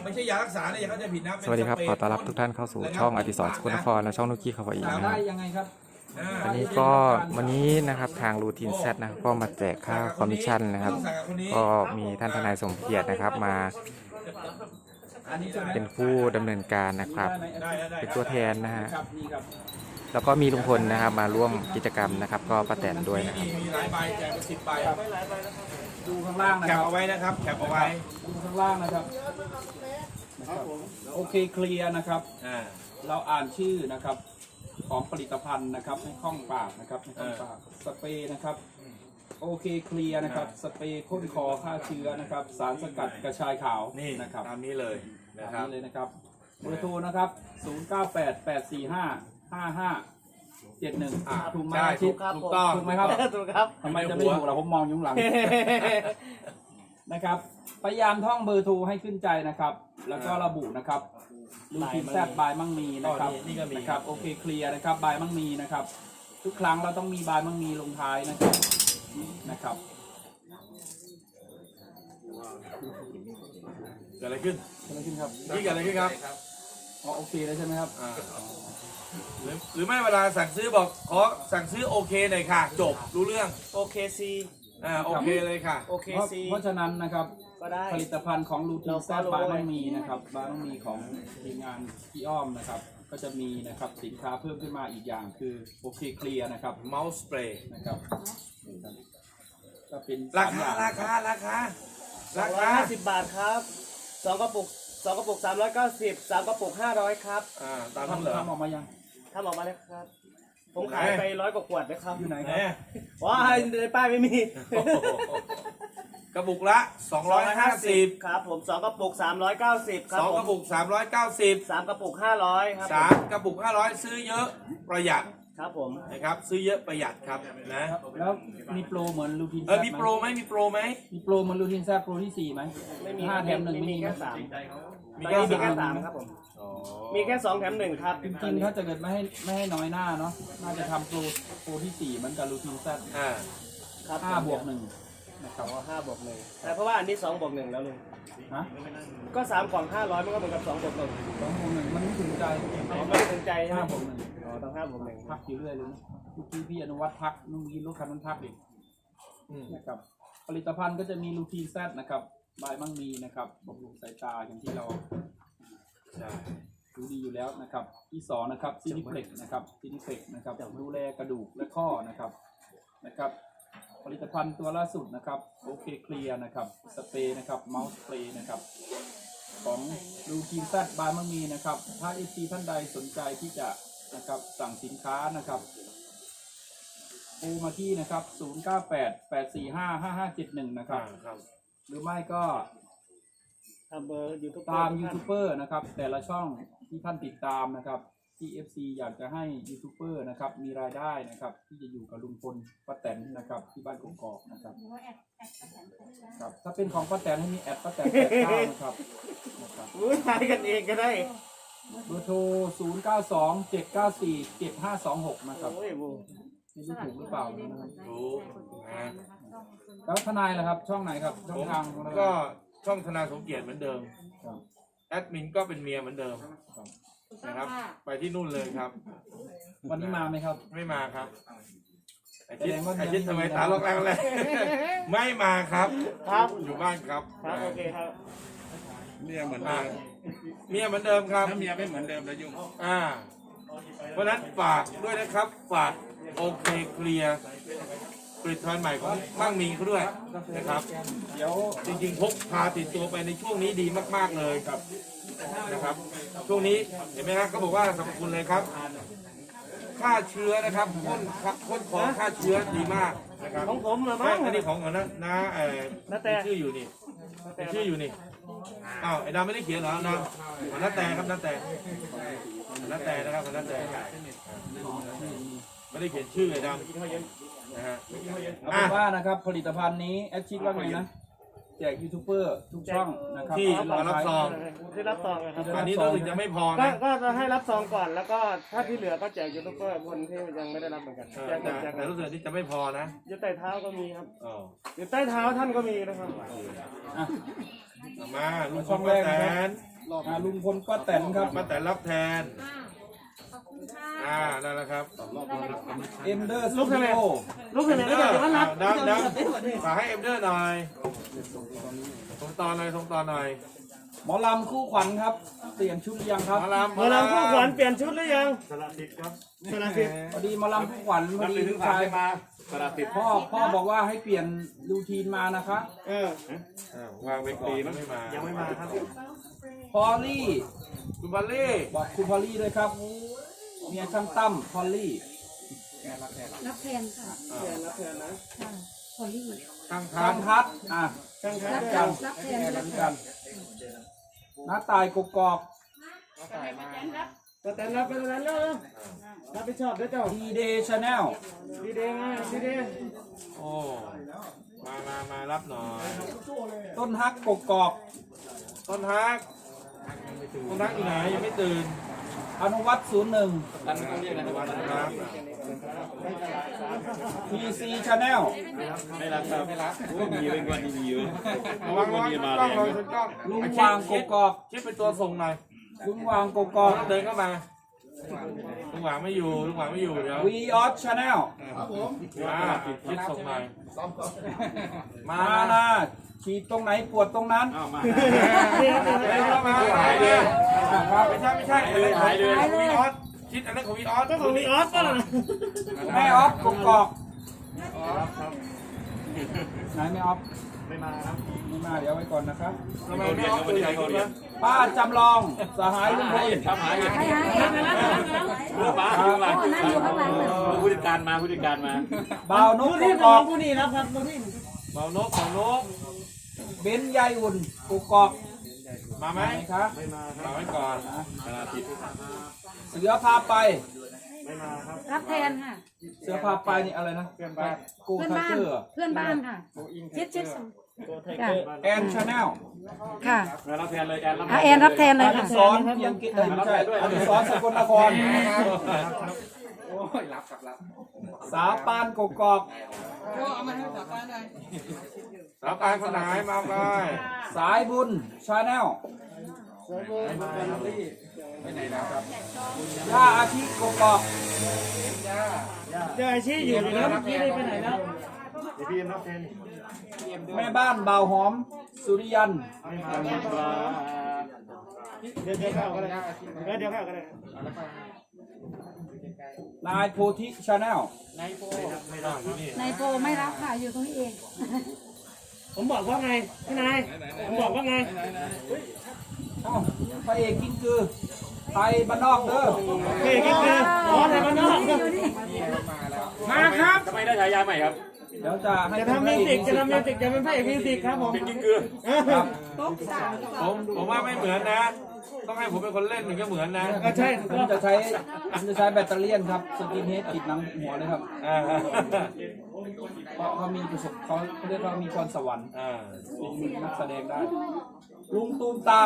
ไม่ใช่ยารักษาเนี่ยเขาจะผิดนะสวัสดีครับขอต้อนรับทุกท่านเข้าสู่ช่องอดิศรสกลนครและช่องนุกกี้คาวาอีนะคได้รับยังไงครับวันนี้นะครับทางรูทีนแซดนะครับก็มาแจกค่าคอมมิชชั่นนะครับก็มีท่านทนายสมเกียรตินะครับมาเป็นผู้ดำเนินการนะครับเป็นตัวแทนนะฮะแล้วก็มีลุงพลนะครับมาร่วมกิจกรรมนะครับก็ป้าแตนด้วยนะครับมีหลายใบแจกไป10 ใบดูข้างล่างนะแคคปรับเอาไว้นะครับแคปเอาไว้ดูข้างล่างนะครับโอเคเคลียร์นะครับ เราอ่านชื่อนะครับของผลิตภัณฑ์นะครับให้คล่องปากนะครับให้คล่องปากสเปรย์นะครับโอเคเคลียร์นะครับสเปรย์พ่นคอฆ่าเชื้อนะครับ สารสกัดกระชายขาวนี่นะครับตามนี้เลยนะคตารัมบนี้เลยนะครับเบอร์โทรนะครับ0988455571ถูกไหมใช่ชิดถูกต้องถูกไหมครับถูกครับทำไมจะไม่ถูกล่ะผมมองอยู่ข้างหลัง นะครับพยายามท่องเบอร์โทรให้ขึ้นใจนะครับ แล้วก็ระบุนะครับลูทีนแซดบายมั่งมีนะครับนี่ก็มีนะครับโอเคเคลียร์นะครับบายมั่งมีนะครับ ทุกครั้งเราต้องมีบายมั่งมีลงท้ายนะครับเกิดอะไรขึ้นเกิดอะไรขึ้นครับนี่เกิดอะไรขึ้นครับอ๋อโอเคแล้วใช่ไหมครับหรือไม่เวลาสั่งซื้อบอกขอสั่งซื้อโอเคหน่อยค่ะ จบรู้เรื่องโอเคซีโอเคเลยค่ะโอเคซีเพราะฉะนั้นนะครับก็ได้ผลิตภัณฑ์ของลูทีนแซดเราบาย follow มั่งมีนะครับบายมั่งมีของทีมงานพี่อ้อมนะครับ ก็จะมีนะครับสินค้าเพิ่มขึ้นมาอีกอย่างคือโอเคเคลียร์นะครับเมาส์สเปรย์นะครับก็เป็นราสมคาอย่งราคาราคาราคา 250 บาทครับ2 กระปุก2 กระปุก 390 3 กระปุก 500 ครับตามนั้นเหรอทำออกมายังทำออกมาเลยครับ ผมขายไป100 กว่าขวดนะครับอยู่ไหนไหนครับว้ายในป้ายไม่มีโอ้โหกระปุกละ 250 ครับผม2 กระปุก 390 ครับ 2 ผกมระปุก 390 3 กระปุก 500 ครับผม 3 กระปุก 500 ซื้อเยอะประหยัดครับผมนะครับซื้อเยอะประหยัดครับนะแล้วมีโปรเหมือนลูทีนแซดมีโปรไหมมีโปรไหมมีโปรเหมือนลูทีนแซดโปรที่ 4ไหมไม่มี 5 แถม 1 มีไม่มีแค่นะ 3 มีตอนแค่นี้มีแค่สาม 3ครับผมอ๋อมีแค่2 แถม 1 ครับจริงๆถ้าจะเกิดไม่ให้น้อยหน้าเนาะน่าจะทำโปรที่ 4เหมือนกับลูทีนแซดครับ 5 บวก 1นะครับอ๋อ5 บวก 1แต่เพราะว่าอันนี้2 บวก 1 แล้วลุงฮะก็3 กล่อง 500 มันก็เหมือนกับ2 บวก 1 2 บวก 1มันไม่ถึงใจอ๋อไม่ได้สนใจใช่ไหม 5 บวกอ๋อต้อง5 บวก 1 1ทักอยู่เรื่อยเลยนะเมื่อกี้พี่อนุวัฒน์ทักนุ่งยินลูกคันนั้นทักอีกนะครับผลิตภัณฑ์ก็จะมีลูทีนแซดนะครับบายมั่งมีนะครับบำรุงสายตาอย่างที่เราใช่รู้ดีอยู่แล้วนะครับที่2นะครับซินิเพล็กนะครับซินิเพล็กนะครับดูแลกระดูกและข้อนะครับผลิตภัณฑ์ตัวล่าสุดนะครับโอเคเคลียร์นะครับสเปรย์นะครับเมาส์สเปรย์นะครับของลูทีนแซดบายมั่งมีนะครับถ้าเอซีท่านใดสนใจที่จะนะครับสั่งสินค้านะครับโทรมาที่นะครับ0988455571นะครับครับหรือไม่ก็ทำเบอร์ยูทูบตามยูทูบเบอร์นะครับแต่ละช่องที่ท่านติดตามนะครับที่ FC อยากจะให้ยูทูบเบอร์นะครับมีรายได้นะครับที่จะอยู่กับลุงพลป้าแตนนะครับที่บ้านกกอกนะครับครับถ้าเป็นของป้าแตนให้มีแอดป้าแตน89นะครับรู้ทายกันเองก็ได้เบอร์โทร0927947526นะครับโอ้ยบูไม่รู้ถูกหรือเปล่านะครับรู้นะแล้วทนายล่ะครับช่องไหนครับช่องทางของเราก็ช่องธนาสมเกียรติเหมือนเดิมครับแอดมินก็เป็นเมียเหมือนเดิมนะครับ ไปที่นู่นเลยครับวันนี้มาไหมครับไม่มาครับไอแสชิดดงว่าไอชิดยังทำไมไม่มีตาล็อกแรงเลย ไม่มาครับครับอยู่บ้านครับครับโอเคครับเมียเหมือนอ่าเดิมเมียเหมือนเดิมครับถ้าเมียไม่เหมือนเดิมแล้วยุ่งเพราะฉะนั้นฝากด้วยนะครับฝากโอเคเคลียร์ผลิตภัณฑ์ใหม่ของมั่งมีเขาด้วยนะครับเดี๋ยวจริงๆพกพาติดตัวไปในช่วงนี้ดีมากๆเลยครับนะครับ ช่วงนี้เห็นไหมครับเขาบอกว่าสรรพคุณเลยครับฆ่าเชื้อนะครับพ่นของฆ่าเชื้อดีมากนะครับของผมเหรอไม่มั้งอันนี้ของของนะนาแต่ชื่ออยู่นี่มีชื่ออยู่นี่อ้าวไอ้ดำไม่ได้เขียนเหรอนะของน้าแต่ครับน้าแต่ของน้าแต่นะครับของน้าแต่ไม่ได้เขียนชื่อไอ้ดำนะฮะเอาเป็นว่านะครับผลิตภัณฑ์นี้แอดชิดว่าไงนะแจกยูทูบเบอร์ทุกช่องนะครับที่มารับซองที่รับซองนะครับอันนี้รู้สึกจะไม่พอก็นะก็จะให้รับซองก่อนแล้วก็ถ้าที่เหลือก็แจกยูทูบเบอร์คนที่ยังไม่ได้รับเหมือนกันแจกหมดแจกหมแต่ดรู้สึกที่จะไม่พอนะอยู่ใต้เท้าก็มีครับอ๋ออยู่ใต้เท้าท่านก็มีนะครับอ่ะเอามาลุงช่องแรกแตนะครับนลุงพลป้าแตนครับมาแต่รับแทนขอบคุณค่ะนั่นแหละครับเอ็มเดอร์สตูดิโอลูกเห็นไหมก็จะมารับดังฝากให้เอ็มเดอร์หน่อยส่งต่อหน่อยส่งต่อหน่อยหมอลำคู่ขวัญครับเปลี่ยนชุดหรือยังครับมาลำเมื่อเราผู้ขวัญเปลี่ยนชุดหรือยังสละสิทธิ์พอดีหมอลำคู่ขวัญพอดีลูกชายพ่อบอกว่าให้เปลี่ยนรูทีนมานะคะเออวางไปก่อนไม่มายังไม่มาครับพอลลี่คุณบัลลี่บอกคุณพอลลี่ด้วยครับเมียช่างตั้มพอลลี่รับแทนค่ะรับแทนนะค่ะพอลลี่ตั้งทาทังนทัดอ่ะช่างครัรับบแทกันรับแทนเหรัมืบอนแทกันนน้าตายกกอกก็แต่รับไปแล้วรับผิดชอบด้วยเจ้าดีเดย์ชาแนลดีเดย์มาดีเดย์โอ้มารับหน่อยต้นฮักกกอกต้นฮักต้นฮักอยู่ไหนยังไม่ตื่นอนุวัต01 วันนะครับ PC Channel ระวังกล้องลองชนกล้องลุงวางกกอกชิดเป็นตัวส่งหน่อยลุงวางกกอกต้องเดินเข้ามาลุงหวางไม่อยู่ลุงหวางไม่อยู่เดี๋ยววีออสชาแนลชิดส่งหน่อยมามานะฉีดตรงไหนปวดตรงนั้นเดินเข้ามาหายเลยไม่ใช่เลยหายเลยวีออสชิดอันนั้นของวีออสของมีออสป่ะล่ะแม่ออฟกกอกไหนแม่ออฟไม่มาเดี๋ยวไว้ก่อนนะครับทำไมไม่ออสตัวใหญ่กว่านี้ป้าจำลองสหายลุงพลหายป้านั่งอยู่ข้างหลังเลยผู้จัดการมาผู้จัดการมาบ่าวนกผู้กที่กน้ออง กผู้นี้นะครับผู้ที่เบานกเบานกเบนซ์ยายอุ่นกกอกมาไหมไหนครับมาไว้ก่อนเสือพาไปรับแทนค่ะเสือพาไปนี่อะไรนะกูเพื่อนไทบ้านเกอร์เพื่อนบ้านค่ะชิดค่ะแอนชาแนลค่ะรับแทนเลยแอนรับแอนรับแทนเลยอค่ะดิศรเพียงกิจไม่ใช่อดิศรสกลนครสาปานกกอกสาวปานคนไหนมาไปสายบุญชาแนลย่าอาทิกกอกเจออาชีพอยู่แล้วเมื่อกี้ได้ไปไหนแล้วแม่บ้านบ่าวหอม สุริยันเดี๋ยวเข้ากันเลยเดี๋ยวเข้ากันเลยนายโพธิชาแนลนายโปไม่รับค่ะอยู่ตรงนี้เองผมบอกว่าไงพี่นายผมบอกว่าไงพระเอกกิ้งกือไทยบ้านนอกเด้อเฮ้ยนี่คืออ๋อไทยบ้านนอกอยู่นี่มาครับทำไมได้ฉายาใหม่ครับเดี๋ยวจะให้จะทำมิวสิกจะทำมิวสิกจะเป็นพระเอกมิวสิกครับผมเป็นกิ้งกือครับผมว่าไม่เหมือนนะ ต้องให้ผมเป็นคนเล่นถึงจะเหมือนนะก็ใช่ผมจะใช้แบตเตอรี่ครับสกินเฮดติดหนังหัวเลยครับเพราะเขามีประสบเขาเรียกว่ามีพรสวรรค์เป็นนักแสดงได้ ลุงตูมตาม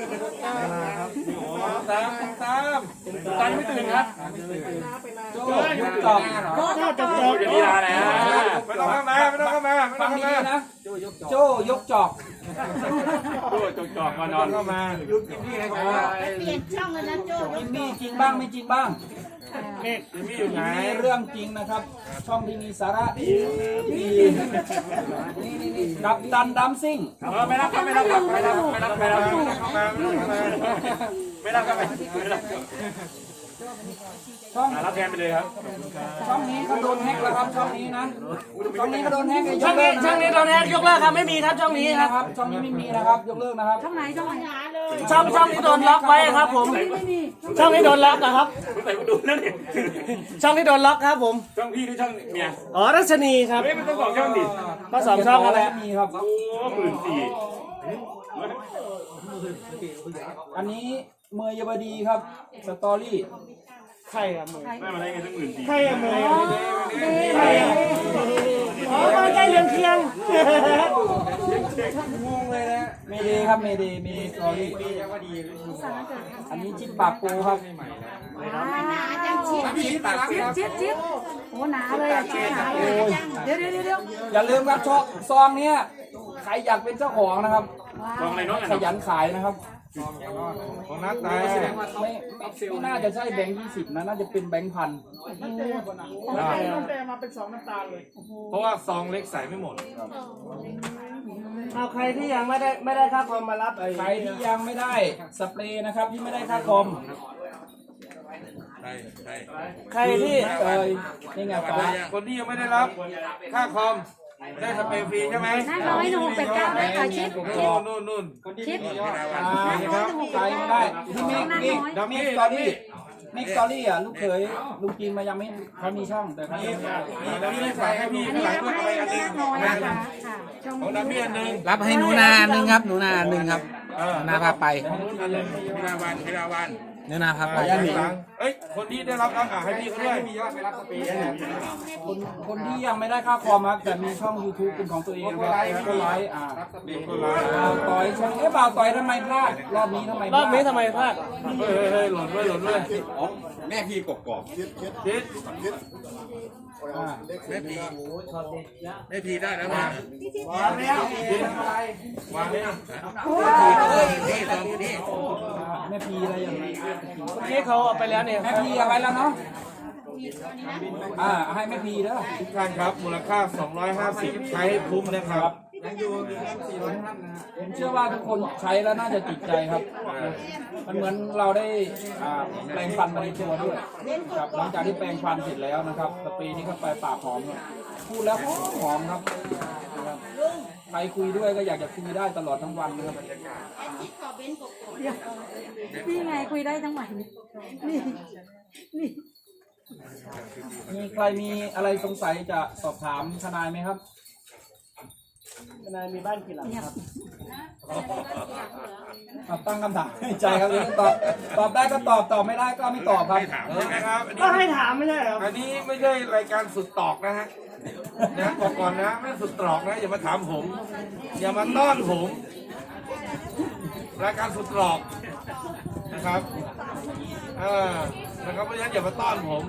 ตามตอนไม่ตื่นครับโจ้ยกจอกก็จะจบเดี๋ยวนี้ลาแล้วไม่ต้องเข้ามาไม่ต้องเข้ามาไม่ต้ฟัองงเข้าดีมาๆนะโจ้ยกจอกดูจอกมานอนเข้ามาเปลี่ยนช่องเลยนะโจ้จริงมีจริงบ้างไม่จริงบ้างจิมมี่อยู่ไหนมีเรื่องจริงนะครับ ช่องที่มีสาระดีกับตันดัมซิ่งไม่รับครับไม่รับครับไม่รับไม่รับไม่รับเข้ามาไม่ต้องเข้ามาไม่รับครับไม่รับช่องรับแทนไปเลยครับช่องนี้ก็โดนแฮกแล้วครับช่องนี้นะช่องนี้ก็โดนแฮกยช่อก งเลินี้กช่องนี้ตอนนี้ยกเลิกครับไม่มีครับช่องนี้คนะรับครับช่องนี้ไม่มีนะครับยกเลิกนะครับช่องไหนช่องไหนช่องนี้โดนล็อกไว้ครับผมไม่มีช่องนี้โดนล็อกนะครับคุณใส่ดูนั่นดิช่องนี้โดนล็อกครับผมช่องพี่หรือช่องเมียอ๋อรัชนีครับเฮ้ยมันต้องบอกช่องดิก็สองช่องอะไรไม่มีครับโอ้14,000 อันนี้เมย์ยบดีครับสตอรี่ใครอะมือไม่มาได้เงินตั้ง14,000 ใครอะมือเด้ใครอะอ๋อมาใกล้เรือนเคียงงงเลยนะเมเดย์ครับเมเดย์สตอรี่อันนี้จิ๊บปากปูครับหนาจังชิดโอ้หนาเลยอ่ะชิดหนาเลยเดี๋ยวอย่าลืมครับซองเนี้ยใครอยากเป็นเจ้าของนะครับลองอะไรน้องกันขยันขายนะครับของนักแต่ไม่น่าจะใช่แบงค์20นะน่าจะเป็นแบงค์พันแต่มาเป็น2น้ำตาลเลยเพราะว่าซองเล็กใส่ไม่หมดเอาใครที่ยังไม่ได้ค่าคอมมารับใครที่ยังไม่ได้สเปรย์นะครับที่ไม่ได้ค่าคอมใช่ใช่ใครที่เลยนี่ไงฟ้าคนที่ยังไม่ได้รับค่าคอมได้สเปรย์ฟรีใช่ไหมนั่นร้อยหนึ่งหกแปดเก้าเลยค่ะชิดนู่นชิดใครไม่ได้ที่มิกสตอรี่มิกสตอรี่อ่ะลูกเขยลุงจีนมายังไม่เขามีช่องแต่เขายังไม่ได้นี่ได้ใส่ให้พี่อันนี้ใส่รับเพื่อให้อะไรอันหนึงน้อยนะคะค่ะช่องของน้ำพี่อันหนึงรับให้หนูนาหนึ่งครับหนูนาหนึ่งครับหนูนาพาไปของนู้นอันหนึงพิลาวันพิลาวันหนูนาพาไปเอ้ยคนที่ได้รับให้พี่เขาด้วยคนที่ยังไม่ได้ค่าคอมครับแต่มีช่อง YouTube เป็นของตัวเองครับก็ไลฟ์บ่าวต่อยช่องบ่าวต่อยทำไมพลาดรอบนี้ทำไมพรลาอดบนี้ทำไมพลาดเฮ้ยหล่นด้วยแม่พี่กกอกชิดอ่าแม่พี่แม่พี่ได้แล้วมาวางนี่นี่ตรงนี้แม่พีอะไรอย่างนี้เมื่อกี้เขาเอาไปแล้วเนี่ยแม่พีเอาไว้แล้วเนาะให้แม่พีเด้อทุกท่านครับมูลค่า 250 ใช้ให้คุ้มนะครับผมเชื่อว่าทุกคนใช้แล้วน่าจะติดใจครับ มันเหมือนเราได้แปรงฟันไปในตัวด้วยครับหลังจากที่แปรงฟันเสร็จแล้วนะครับสเปรย์นี้เข้าไปปากหอมครับพูดแล้วหอมครับใครคุยด้วยก็อยากจะคุยได้ตลอดทั้งวันนะครับนี่ไงคุยได้ทั้งวันนี่นี่มีใครมีอะไรสงสัยจะสอบถามทนายไหมครับทนายมีบ้านกี่หลังครับตั้งคำถามให้ใจครับตอบได้ก็ตอบไม่ได้ก็ไม่ตอบครับใช่ไหมครับก็ให้ถามไม่ใช่เหรออันนี้ไม่ใช่รายการสุดตอกนะฮะนะบอกก่อนนะไม่สุดตรอกนะอย่ามาถามผม อย่ามาต้อนผม รายการสุดตรอกนะครับนะครับเพราะฉะนั้นอย่ามาต้อนผม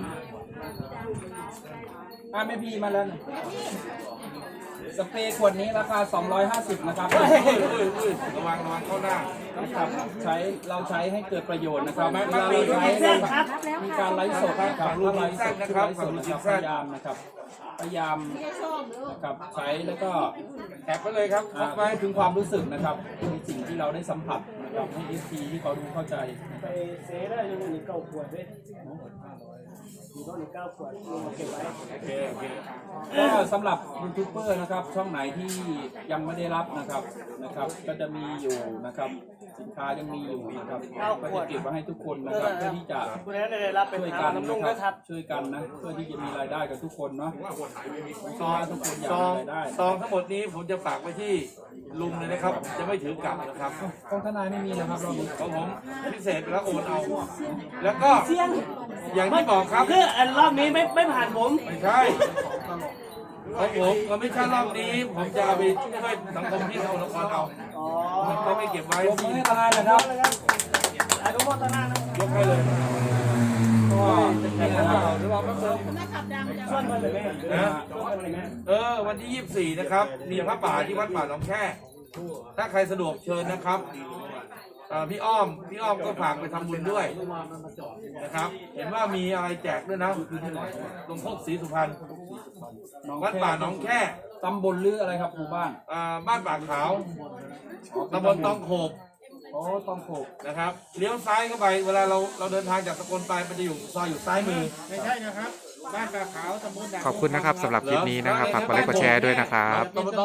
แม่พีมาแล้วนี่สเปรย์ขวดนี้ราคา 250 นะครับระวังเข้าหน้านะครับเราใช้ให้เกิดประโยชน์นะครับไม่เวลาเราใช้ไม่รับแล้วมีค่ะการไลฟ์สดนะครับถ้าไลฟ์สดนะครับพยายามนะครับพยายามนะครับใช้แล้วก็แคปไปเลยครับครบไปพูดถึงความรู้สึกนะครับในสิ่งที่เราได้สัมผัสนะครับให้ FT ที่เขาดูเข้าใจไปเซได้ยังมีเก้าขวดด้วยมีต้นเก้าขวดเอาเก็บไว้โอเคก็สำหรับยูทูบเบอร์นะครับช่องไหนที่ยังไม่ได้รับนะครับก็จะมีอยู่นะครับสินค้ายังมีอยู่นะครับก็จะเก็บไว้ให้ทุกคนนะครับเพื่อที่จะคุณนั้นได้รับเป็นช่วยทากังนน้ำลุงนะด้วยคครัรับบ ช่วยกันนะเพื่อที่จะมีรายได้กับทุกคนเนาะซองทุกคนอยากซองมีรายได้ซองทั้งหมดนี้ผมจะฝากไว้ที่ลุงเลยนะครับ จะไม่ถือกลับนะครับของทนายไม่มีนะครับรอบนี้ของผมพิเศษแล้วโอนเอา แล้วก็อย่างที่บอกครับคืออันรอบนี้ไม่ผ่านผมไม่ใช่ของผมก็ไม่ใช่รอบนี้ ผมจะเอาไปช่วยสังคมที่เราละครเอาอ๋อก็ไม่เก็บไว้ยกมือให้ทนายนะครับอนุโมทนานะยกให้เลยก็นี่นะครับส่วนมันเลยแม่นะวันที่ 24 นะครับ มีพระป่าที่วัดป่าหนองแค่ ถ้าใครสะดวกเชิญนะครับพี่อ้อมก็ฝากไปทำบุญด้วยนะครับ เห็นว่ามีอะไรแจกด้วยนะหลวงพ่อศรีสุพรรณวัดป่าหนองแค่ตำบลหรืออะไรครับหมู่บ้านบ้านป่าขาวตำบลตองโขบโอ้ต้องโขกนะครับเลี้ยวซ้ายเข้าไปเวลาเราเดินทางจากสกลไปมันจะอยู่ซอยอยู่ซ้ายมือไม่ใช่นะครับ บ้านปลาขาวตำบลขอบคุณนะครับสำหรับคลิปนี้นะครับฝากกดไลค์กดแชร์ด้วยนะครับตำบล